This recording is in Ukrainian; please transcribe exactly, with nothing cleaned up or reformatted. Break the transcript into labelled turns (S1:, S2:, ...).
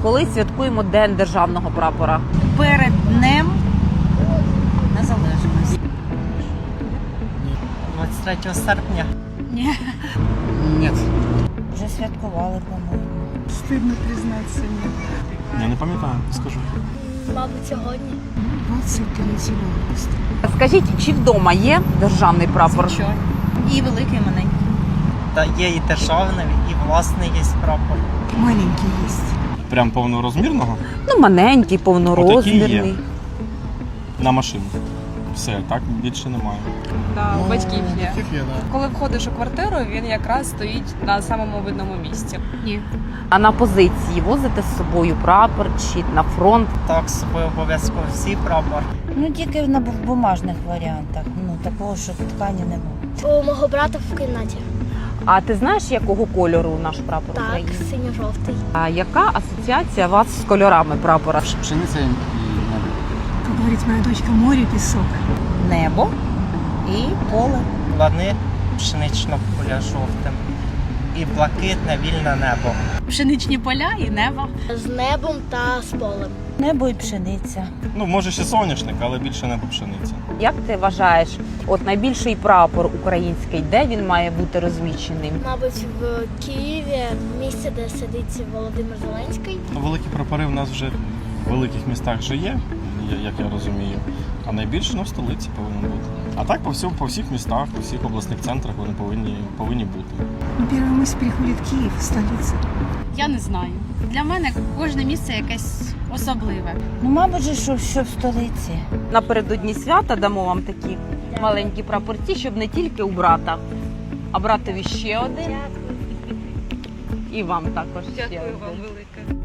S1: Коли святкуємо День державного прапора?
S2: Перед Днем Незалежності.
S3: двадцять третього серпня.
S2: Ні.
S4: Ні.
S2: Вже святкували, по-моєму.
S5: Стидно признатися, ні.
S4: Я не пам'ятаю, скажу.
S6: Мабуть, сьогодні.
S5: двадцять третього августа.
S1: Скажіть, чи вдома є державний прапор?
S2: Звичайно. І великий, і маленький.
S3: Та є і державний, і власний є прапор.
S5: Маленький есть.
S4: Прям повнорозмірного
S1: Ну, маленький, повнорозмірний.
S4: Отакий на машину. Все, так більше немає.
S7: Да, у батьків є.
S4: Батьків є, да.
S7: Коли входиш у квартиру, він якраз стоїть на самому видному місці.
S2: Ні.
S1: А на позиції возите з собою прапор чи на фронт?
S3: Так, з собою обов'язково всі прапор.
S2: Ну, тільки на бу- бумажних варіантах. Ну, такого, що ткані немає.
S6: У мого брата в кімнаті.
S1: А ти знаєш, якого кольору наш прапор
S6: Так,
S1: України?
S6: синьо-жовтий.
S1: А яка асоціація у вас з кольорами прапора?
S4: Пшениця і небо.
S5: Как говорит моя дочка, море, песок.
S2: Небо і поле.
S3: Лани пшеничного поля жовтим. І блакитне вільне небо.
S2: Пшеничні поля і небо.
S6: З небом та з полем.
S2: Небо і пшениця.
S4: Ну, може ще соняшник, але більше небо пшениця.
S1: Як ти вважаєш, от найбільший прапор український, де він має бути розміщений?
S6: Мабуть, в Києві, місце, де сидить Володимир Зеленський.
S4: Ну, великі прапори в нас вже в великих містах вже є, я- як я розумію. А найбільше ну, в столиці повинен бути. А так по всьому, по всіх містах, по всіх обласних центрах вони повинні, повинні бути.
S5: Ну, первая мысль приходит Киев, столица.
S8: Я не знаю. Для мене кожне місце якесь особливе.
S2: Ну, мабуть, же, що, що в столиці.
S1: Напередодні свята дамо вам такі маленькі прапорці, щоб не тільки у брата, а братові ще один. І вам також ще один.
S7: велике.